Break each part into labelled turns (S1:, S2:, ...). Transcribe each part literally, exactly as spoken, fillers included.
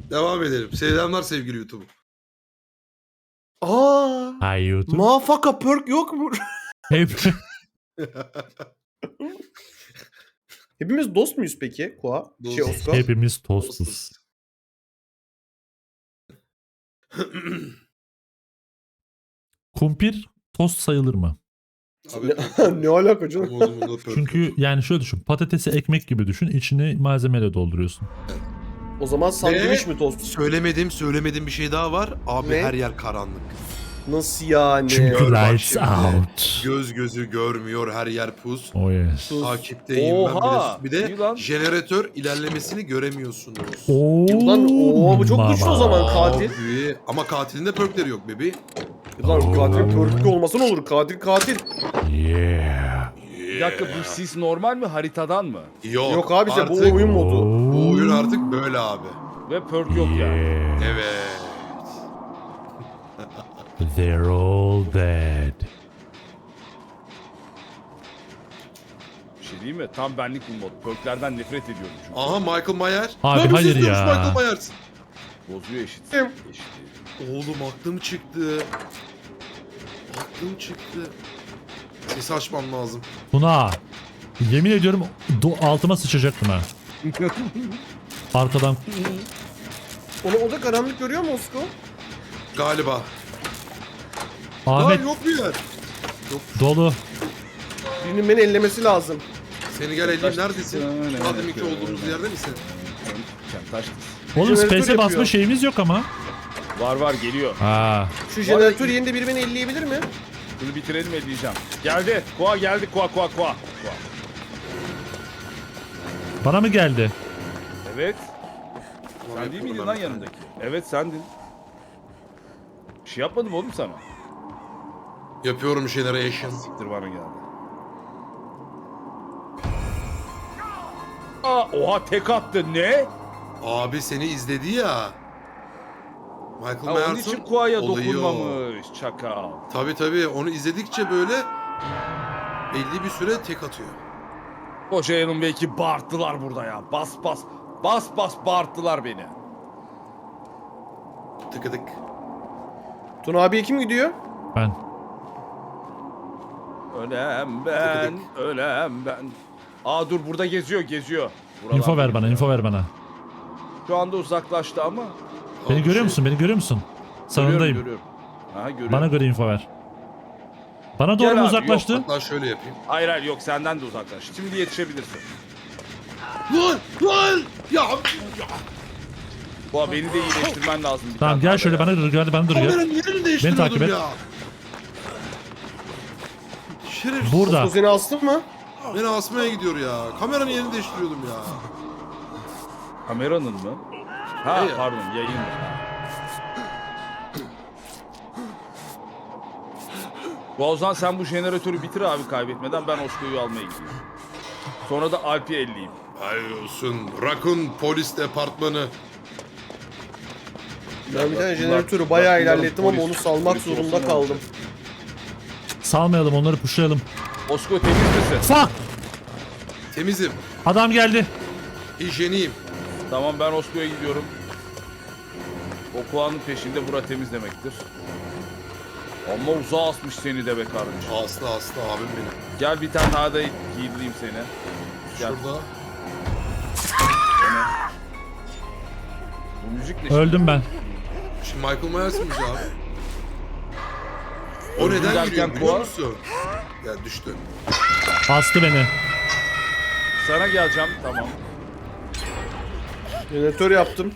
S1: Devam edelim. Selamlar sevgili YouTube.
S2: Aa,
S3: Hi YouTube.
S2: mafaka perk yok mu?
S3: Hep
S2: Hepimiz dost muyuz peki Koa? Şey
S1: Dostuz.
S2: Oscar.
S3: hepimiz tostuz. Kumpir tost sayılır mı?
S1: Abi,
S2: Ne, ne alaka canım?
S1: umudumda perk
S3: Çünkü
S1: yok.
S3: yani şöyle düşün. Patatesi ekmek gibi düşün. İçini malzemeyle dolduruyorsun.
S2: O zaman sandviç mi tost?
S1: Söylemedim, söylemedim bir şey daha var. Abi
S2: Ne?
S1: her yer karanlık.
S2: Nasıl yani?
S3: Çünkü
S1: Gör bak
S3: lights
S1: şimdi.
S3: out.
S1: Göz gözü görmüyor, her yer pus.
S3: Oh yes.
S2: Sus.
S1: Takipteyim
S4: Oha!
S1: ben bir de. Bir
S4: İyi lan.
S1: de jeneratör ilerlemesini göremiyorsunuz.
S3: Oo,
S2: Lan oha, bu çok güçlü o
S3: mama.
S2: zaman. katil.
S1: Abi, ama katilin de perkleri yok bebi.
S2: Lan katil perkli olmasa ne olur? Katil katil.
S3: Yeah.
S4: Bir dakika bu sis normal mi haritadan mı?
S1: Yok,
S2: Yok abi işte bu
S1: artık
S2: oyun modu.
S1: Bu oyun artık böyle abi.
S4: Ve perk yok yani.
S3: Yeah.
S1: Evet.
S3: They're all dead.
S4: Bir şey değil mi? Tam benlik bu mod. Perklerden nefret ediyorum çünkü.
S1: Aha Michael Myers.
S3: Abi,
S1: Lan bu
S3: hayır
S1: ses duymuş
S3: ya.
S1: Michael Myers.
S4: Bozuyor eşit.
S2: Kim?
S4: Eşit.
S1: Oğlum aklım çıktı. Aklım çıktı. Sesi açmam lazım.
S3: Tuna. Yemin ediyorum do- altıma sıçacaktım ha. Arkadan.
S2: Onu o da karanlık görüyor mu Osko?
S1: Galiba.
S3: Ahmet
S1: Lan yok bir yer.
S3: dolu.
S2: Birinin beni ellemesi lazım.
S1: Seni gel eleyim neredesin?
S4: Öyle,
S1: Daha deminki
S4: öyle.
S1: olduğumuz yerde misin?
S4: Sen taş kız.
S3: Oğlum
S2: Jeneratör
S3: space'e basma
S2: yapıyor.
S3: şeyimiz yok ama.
S4: Var var geliyor.
S3: Ha.
S2: Şu jeneratör yerinde biri beni elleyebilir mi?
S4: Bunu bitirelim edeceğim. Geldi. Koa geldi. Koa koa koa. Koa.
S3: Bana mı geldi?
S4: Evet.
S1: Tamam,
S4: Sen değil miydin
S1: yapıyorum
S4: lan
S1: ben.
S4: yanındaki? Evet sendin. Bir şey yapmadım oğlum sana.
S1: Yapıyorum generation.
S4: Siktir bana geldi. Aa, oha tek attı ne?
S1: Abi seni izledi ya. Michael
S4: Ha, onun
S1: Myers'ın
S4: için Koa'ya
S1: olayı o.
S4: dokunmamış çakal.
S1: Tabii tabii onu izledikçe böyle belli bir süre tek atıyor.
S4: Koca Alan belki bağırttılar burada ya. Bas bas. Bas bas bağırttılar beni.
S1: Tıkıdık.
S2: Tuna abiye kim gidiyor?
S3: Ben.
S4: Ölem ben, ölem ben. Aa dur burada geziyor, geziyor. Buralarda
S3: Info ver bana,
S4: geziyor.
S3: info ver bana.
S4: Şu anda uzaklaştı ama.
S3: Beni
S1: Abi
S3: görüyor
S1: şey-
S3: musun? Beni görüyor musun?
S4: Görüyorum,
S3: Sağındayım.
S4: görüyorum. Aha görüyorum.
S3: Bana göre info ver. Bana doğru
S4: Gel
S3: mu
S4: abi,
S3: uzaklaştı?
S1: Hatta şöyle yapayım.
S4: Hayır hayır yok senden de uzaklaş. Şimdi yetişebilirsin.
S1: Lan lan! Ya, ya.
S4: Bu beni de iyileştirmen lazım. bir
S3: Tamam
S4: tane
S3: gel
S4: daha
S3: şöyle
S4: ya.
S3: bana dur, hadi bana dur ya.
S1: Kameranın yerini değiştiriyordum
S3: takip et.
S1: ya. Şerefsiz.
S3: Burada.
S2: Osko seni astın mı?
S1: Beni asmaya gidiyor ya. Kameranın yerini değiştiriyordum ya.
S4: Kameranın mı? Ha
S1: Hayır.
S4: pardon yayın. Bu o zaman sen bu jeneratörü bitir abi kaybetmeden ben Osko'yu almaya gidiyorum. Sonra da Alp'i elleyeyim.
S1: Hayır olsun. Raccoon Polis Departmanı.
S2: Ben bir tane
S4: Bunlar-
S2: jeneratörü bayağı
S4: bunların
S2: ilerlettim ama
S4: polis-
S2: onu salmak
S4: polis
S2: zorunda
S4: olsun
S2: kaldım.
S4: olacak.
S3: Salmayalım onları pushlayalım.
S4: Osko temiz misin?
S3: Fuck!
S1: Temizim.
S3: Adam geldi.
S1: Hijyeniyim.
S4: Tamam ben Osko'ya gidiyorum. O Koa'nın peşinde bura temiz demektir. Ama uzağa asmış seni de be kardeşim.
S1: Aslı aslı abim benim.
S4: Gel bir tane daha da giydireyim seni. Gel.
S1: Şurada.
S4: Bu müzik ne? şimdi?
S3: Öldüm ben.
S1: Şimdi Michael Myers mıyız abi? O
S4: Öldüm
S1: neden
S4: derken
S1: yürüyor biliyor
S4: Koa-
S1: musun? Ya düştü.
S3: Bastı beni.
S4: Sana geleceğim tamam.
S2: Jeneratör yaptım.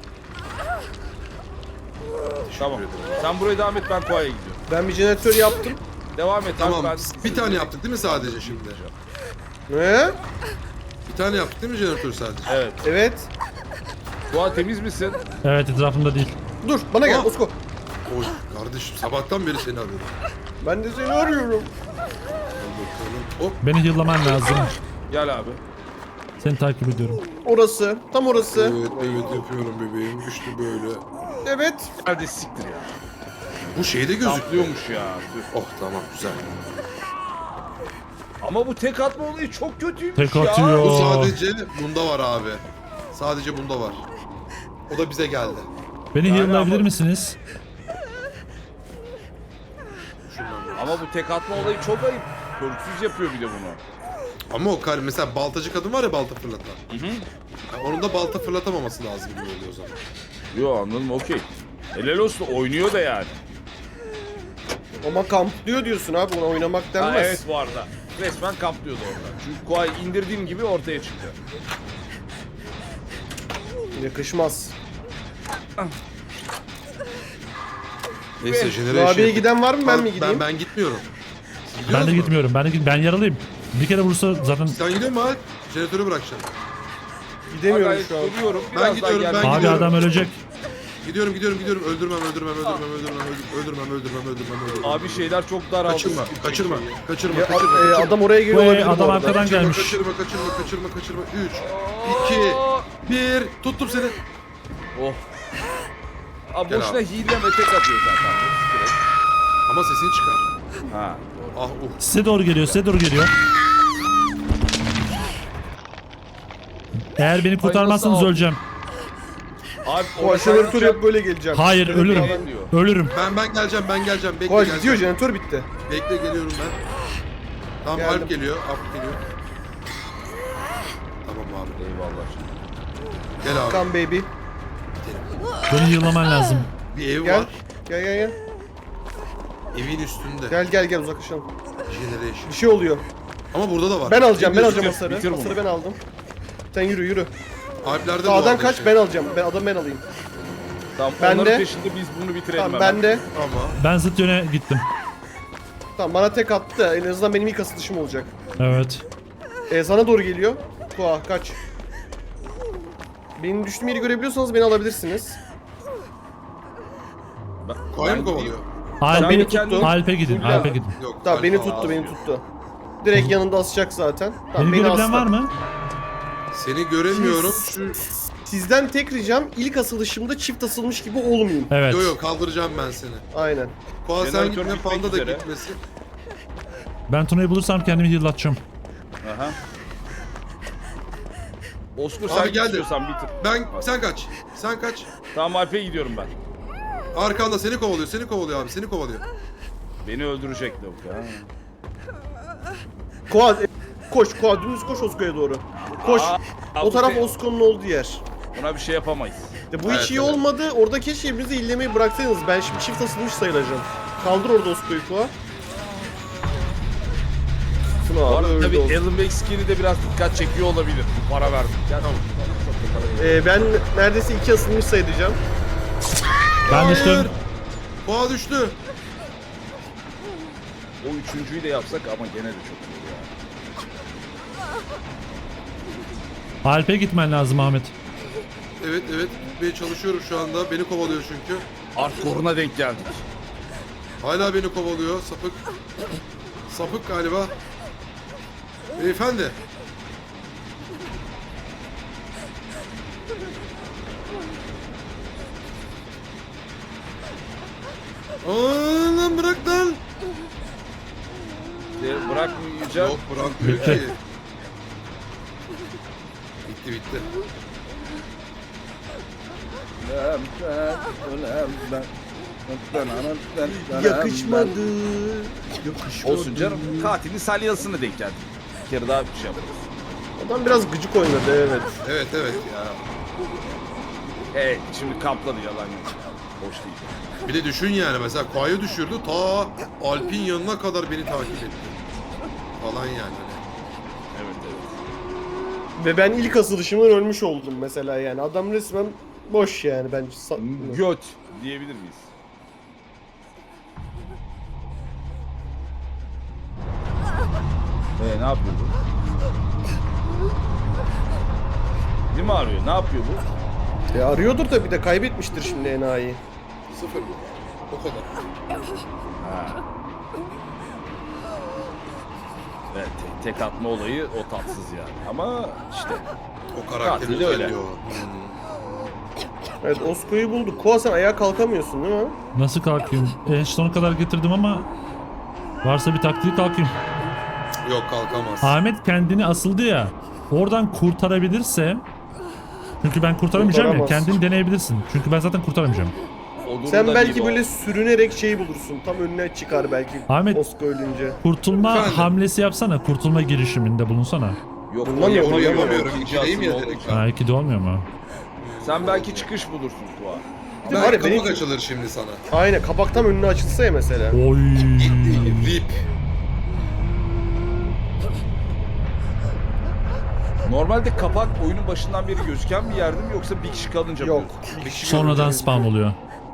S4: Tamam. Sen buraya devam et ben Koa'ya gidiyorum.
S2: Ben bir jeneratör yaptım.
S4: Devam et
S1: Tamam.
S4: abi ben...
S1: Bir tane yaptık değil mi sadece şimdi?
S2: Ne?
S1: Bir tane yaptık değil mi jeneratör sadece?
S4: Evet.
S2: Evet.
S4: Koa temiz misin?
S3: Evet etrafımda değil.
S2: Dur bana gel
S1: Aa.
S2: Osko.
S1: Oy kardeşim sabahtan beri seni arıyorum.
S2: Ben de seni arıyorum.
S1: Hop.
S3: Beni heal'laman lazım.
S4: Gel abi.
S3: Seni takip ediyorum.
S2: Orası. Tam orası.
S1: Evet evet yapıyorum bebeğim. İşte böyle.
S2: Evet.
S4: Hadi siktir ya.
S1: Bu şeyde gözüküyor.
S4: Saplıyormuş ya. Tüh.
S1: Oh tamam güzel.
S4: Ama bu tek atma olayı çok kötüymüş
S3: Tek
S4: ya.
S3: atıyor.
S1: Bu sadece bunda var abi. Sadece bunda var. O da bize geldi.
S3: Beni
S4: Yani
S3: heal'layabilir
S4: ama-
S3: misiniz?
S4: Ama bu tek atma olayı çok ayıp. Körüksüz yapıyor bir de bunu.
S1: Ama o kar mesela baltacı kadın var ya balta fırlatan.
S4: Hı hı.
S1: Yani onun da balta fırlatamaması lazım gibi oluyor o zaman.
S4: Yo anladım okey. Helal olsun oynuyor da yani.
S2: Ama kamplıyor diyorsun abi, buna oynamak
S4: Ha,
S2: denmez.
S4: evet bu arada. Resmen kaplıyordu orada. Çünkü Kuay'ı indirdiğim gibi ortaya çıktı.
S2: Yakışmaz.
S1: Neyse
S4: Ve-
S1: jeneration.
S2: Abiye giden var mı, ben mi gideyim?
S1: Ben, ben gitmiyorum. Siz gidiyor
S3: Ben de
S1: musunuz?
S3: gitmiyorum. Ben de git- ben yaralıyım. Bir kere vursa zaten.
S1: Sen gidiyor musun Alp? Jeneratörü bırakacaksın.
S2: Gidemiyorum
S4: Gayet
S2: şu an.
S4: duruyorum.
S1: Ben
S4: Biraz
S1: gidiyorum,
S4: daha
S1: ben
S4: gelmem.
S3: Abi
S1: gidiyorum.
S3: adam ölecek.
S1: Gidiyorum gidiyorum gidiyorum. Öldürmem öldürmem öldürmem öldürmem öldürmem öldürmem öldürmem öldürmem öldürmem.
S4: Abi şeyler çok daraldı.
S1: kaçırma kaçırma kaçırma
S2: Ya,
S1: kaçırma.
S2: e,
S1: kaçırma.
S2: adam oraya geliyor
S3: Vay,
S2: olabilir bu
S3: adam
S2: arada.
S3: arkadan
S1: Kaçırma,
S3: gelmiş.
S1: kaçırma kaçırma kaçırma kaçırma. üç, iki, bir. Tuttum seni.
S4: Oh. Abi
S1: Gel
S4: boşuna
S1: abi.
S4: hileme tek atıyor zaten. Direkt.
S1: Ama sesini çıkar.
S4: Ha.
S1: Ah uh.
S3: Size doğru geliyor. Size doğru geliyor. Eğer beni kurtarmazsanız
S4: nasıl al-
S3: öleceğim.
S4: Abi
S2: O
S4: oraya
S2: jeneratör
S4: gideceğim.
S2: yap, böyle geleceğim.
S3: Hayır
S2: Jeneratör
S3: ölürüm.
S2: alan-
S4: diyor.
S3: Ölürüm.
S1: Ben ben geleceğim ben geleceğim. Bekle
S2: Koa
S1: geleceğim.
S2: gidiyor, jeneratör bitti.
S1: Bekle geliyorum ben. Tamam
S2: Geldim.
S1: Alp geliyor. Alp geliyor. Tamam abi.
S4: Eyvallah.
S1: Gel abi.
S2: Come baby.
S3: Beni heal'laman lazım.
S1: Bir ev
S2: Gel.
S1: var.
S2: Gel gel gel.
S1: Evin üstünde.
S2: Gel gel gel, uzaklaşalım.
S1: Generation.
S2: Bir şey oluyor.
S1: Ama burada da var.
S2: Ben alacağım, ben
S1: Bitir,
S2: alacağım
S4: bitir,
S2: hasarı.
S4: bitir bunu.
S2: Hasarı ben aldım. Sen yürü yürü.
S1: Alplerde de
S2: Sağdan
S1: vardı
S2: kaç,
S1: işte.
S2: ben alacağım. Ben adam ben alayım.
S4: Tamam
S2: Ben
S4: onların
S2: de-
S4: peşinde biz bunu bitirelim
S2: Tamam
S4: hemen.
S2: ben de.
S1: Ama
S3: Ben zıt yöne gittim.
S2: Tamam bana tek attı da en azından benim ilk asılışım olacak.
S3: Evet.
S2: Ee, sana doğru geliyor. Koa kaç. Benim düştüğüm yeri görebiliyorsanız beni alabilirsiniz.
S4: Ben,
S1: Koya mı
S4: ben
S1: kovalıyor?
S3: Alp'e
S2: beni
S3: gidin.
S2: tuttu.
S3: Alp'e gidin.
S2: Fulya.
S3: Alp'e gidin.
S1: Yok.
S2: Tamam beni
S1: Alfa
S2: tuttu,
S1: abi.
S2: beni tuttu. Direkt yanında asacak zaten. Tamam,
S3: Beni görebilen
S2: asla.
S3: var mı?
S1: Seni göremiyorum. Şu...
S2: Sizden tek ricam ilk asılışımda çift asılmış gibi olmayayım.
S3: Evet.
S1: Yo yo kaldıracağım ben seni.
S2: Aynen.
S1: Koa sen
S4: Jeneratör
S1: gitme,
S4: bitmek
S1: Panda da
S4: üzere.
S1: gitmesin.
S3: Ben Tuna'yı bulursam kendimi heal'latacağım.
S4: Aha. Oscar
S1: Abi
S4: sen
S1: geldi.
S4: istiyorsan bitir.
S1: Ben, sen kaç. Sen kaç.
S4: Tamam Alp'e gidiyorum ben.
S1: Arkanda seni kovalıyor, seni kovalıyor abi, seni kovalıyor.
S4: Beni öldürecek lavuk ha.
S2: Koa e, koş, Koa dümdüz koş Osko'ya doğru. Koş.
S4: Aa,
S2: O
S4: bu
S2: taraf
S4: şey-
S2: Osko'nun olduğu yer.
S4: Buna bir şey yapamayız.
S2: Ya bu
S1: Evet,
S2: hiç iyi
S1: evet.
S2: olmadı. Orada keşke birbirinizi illemeyi bıraksaydınız. Ben şimdi çift asılmış sayılacağım. Kaldır orada Osko'yu Koa. Şunu
S4: Bu
S2: abi
S4: arada
S2: öldü
S4: tabii
S2: oldu.
S4: Alan Wake skin'i de biraz dikkat çekiyor olabilir. Bu para verdik. Gel.
S1: Tamam.
S2: Ee, ben neredeyse iki asılmış sayılacağım.
S3: Ben
S1: Hayır.
S3: düştüm.
S1: Koa düştü.
S4: O üçüncüyü de yapsak ama gene de çok iyi ya.
S3: Alp'e gitmen lazım Ahmet.
S1: Evet evet gitmeye çalışıyorum şu anda. Beni kovalıyor çünkü.
S4: Hardcore'una denk geldik.
S1: Hala beni kovalıyor sapık. Sapık galiba. Beyefendi. Aa, lan bırak lan.
S4: De, bırakmayacağım.
S1: Yok bırakmıyor
S3: Bitti.
S1: ki. Bitti bitti.
S2: Yakışmadı. Yakışmadı.
S4: Olsun canım. Katilin salyasına denk geldik. Bir kere daha bir şey yaparız.
S2: Adam biraz gıcık oynadı, evet.
S1: Evet evet ya.
S4: Evet şimdi kampladı yalan yok. Hoş değil.
S1: Bir de düşün yani mesela Koa'yı düşürdü ta Alp'in yanına kadar beni takip etti. Falan yani.
S4: Evet evet.
S2: Ve ben ilk asılışımdan ölmüş oldum mesela yani. Adam resmen boş yani bence. Sa-
S4: Göt diyebilir miyiz? Ee, ne yapıyor bu? Değil mi arıyor? Ne yapıyor bu?
S2: E, arıyordur da bir de kaybetmiştir şimdi enayi.
S1: Sıfır mı? O kadar.
S4: Evet, te- tek atma olayı o tatsız yani. Ama işte
S1: O karakter
S4: Katil de öyle.
S1: özelliği o.
S2: Evet, Osko'yu bulduk. Koa sen ayağa kalkamıyorsun değil mi?
S3: Nasıl kalkayım? En sona kadar getirdim ama varsa bir taktiği kalkayım.
S1: Yok kalkamaz.
S3: Ahmet kendini asıldı ya. Oradan kurtarabilirse Çünkü ben kurtaramayacağım ya.
S2: Kurtaramazsın.
S3: Kendin deneyebilirsin. Çünkü ben zaten kurtaramayacağım.
S4: O durumda
S2: Sen
S4: değil
S2: belki
S4: o.
S2: böyle sürünerek şey bulursun. Tam önüne çıkar belki.
S3: Ahmet-
S2: Osko ölünce.
S3: Kurtulma
S1: Efendim?
S3: hamlesi yapsana. Kurtulma girişiminde bulunsana.
S4: Yok
S2: Bundan
S4: o
S2: yok,
S1: Onu
S4: yapamıyor.
S1: yapamıyorum.
S4: İkinci
S1: İçeriyim ya
S4: asıl
S1: direkt.
S4: olduğu için.
S3: Ha iki de olmuyor mu?
S4: Sen belki çıkış bulursun Kuva.
S2: Bir de var
S1: Belki
S2: ya
S1: kapak
S2: benim...
S1: açılır şimdi sana.
S2: Aynen kapak tam önüne açılsa ya mesela.
S3: Oy.
S1: Rip.
S4: Normalde kapak oyunun başından beri gözüken bir yerde mi yoksa bir kişi kalınca mı
S2: Yok.
S4: gözüküyor?
S2: Bir kişi
S3: Sonradan
S2: görünce-
S3: spawn oluyor.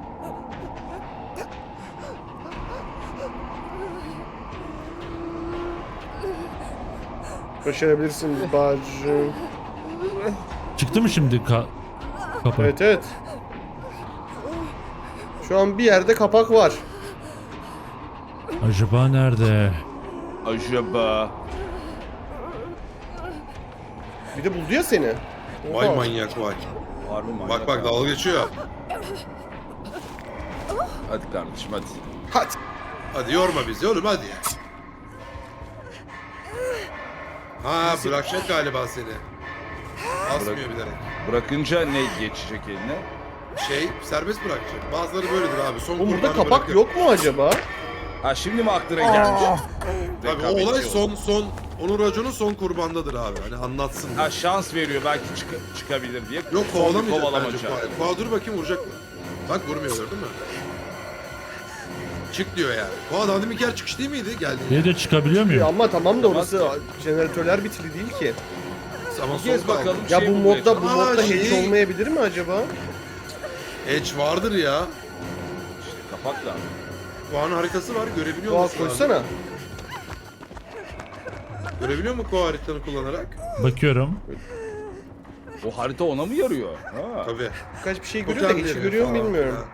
S2: Başarabilirsin bacım.
S3: Çıktı mı şimdi ka kapı?
S2: Evet evet. Şu an bir yerde kapak var.
S3: Acaba nerede?
S4: Acaba.
S2: Bir de buldu ya seni.
S1: Vay
S2: Oha.
S1: manyak vay.
S4: Var mı manyak
S1: Bak bak
S4: abi?
S1: dalga geçiyor.
S4: Hadi kardeşim hadi.
S2: Hadi.
S1: Hadi yorma bizi oğlum hadi ya. Ha bırakacak galiba seni. Asmıyor
S4: Bırak-
S1: bilerek.
S4: Bırakınca ne geçecek eline?
S1: Şey serbest bırakacak. Bazıları böyledir abi. Son
S2: Oğlum burada
S1: kurbanı
S2: kapak
S1: bırakır.
S2: yok mu acaba?
S4: Ha şimdi mi aklına gelmiş?
S1: Tabii o
S4: Rekabetçi
S1: olay
S4: oldu.
S1: son son onun raconu son kurbandadır abi. Hani anlatsın.
S4: Ha şans veriyor belki çık- çıkabilir diye.
S1: Yok
S4: Son bir
S1: kovalamayacak
S4: kovalamaca.
S1: bence. Koa, Koa dur bakayım vuracak mı? Bak vurmuyor gördün mü? Çık diyor yani. Koa daha demin yer çıkış değil miydi? Geldi.
S3: Bir de çıkabiliyor
S2: Ya
S3: muyum?
S2: ama tamam da orası
S4: Tamam.
S2: jeneratörler bitili değil ki.
S1: Ama
S4: Bir kez
S1: son kaldı.
S4: bakalım.
S2: Ya
S4: Şey
S2: bu
S4: bulmaya
S2: modda bu
S1: Aa,
S2: modda
S1: şey-
S2: hiç olmayabilir mi acaba?
S1: Edge vardır ya.
S4: İşte kapak da.
S1: Koa'nın haritası var. Görebiliyor
S2: Doğa
S1: musun?
S2: koysana.
S1: Görebiliyor mu Koa haritanı kullanarak?
S3: Bakıyorum.
S4: O harita ona mı yarıyor? Ha.
S1: Tabii.
S2: Birkaç bir şey görüyor da hiç görüyor mu bilmiyorum.
S1: Ha.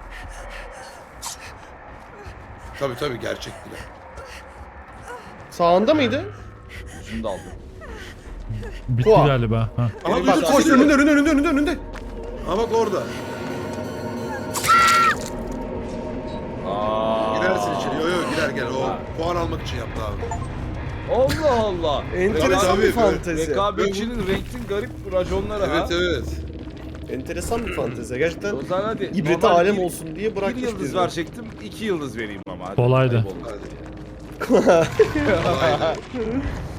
S1: Tabii tabii gerçektir. ya.
S2: Sağında mıydı?
S4: Yüzünü de aldım.
S3: Bitti
S2: Koa.
S3: galiba. Ha.
S1: Ama
S2: Bak
S1: bir
S2: koş
S1: dur,
S2: önünde önünde önünde önünde önünde.
S1: Ha bak orada.
S4: Aa.
S1: Girersin içeri. Yo yo girer gel. O
S4: Ha.
S1: puan almak için yaptı abi.
S4: Allah Allah.
S2: Enteresan
S1: tabii,
S2: bir
S1: tabii.
S2: fantezi.
S4: Rekabetçinin renkli garip raconları ha.
S1: Evet evet.
S2: Enteresan bir fantezi. Gerçekten
S4: O zaman hadi.
S2: ibreti
S4: normal
S2: alem
S4: bir-
S2: olsun diye
S4: Bir
S2: bırakmış
S4: yıldız
S2: bizi.
S4: verecektim, iki yıldız vereyim ama. Hadi.
S3: Kolaydı.
S4: Ayıp oldu.
S1: Hadi. Kolaydı.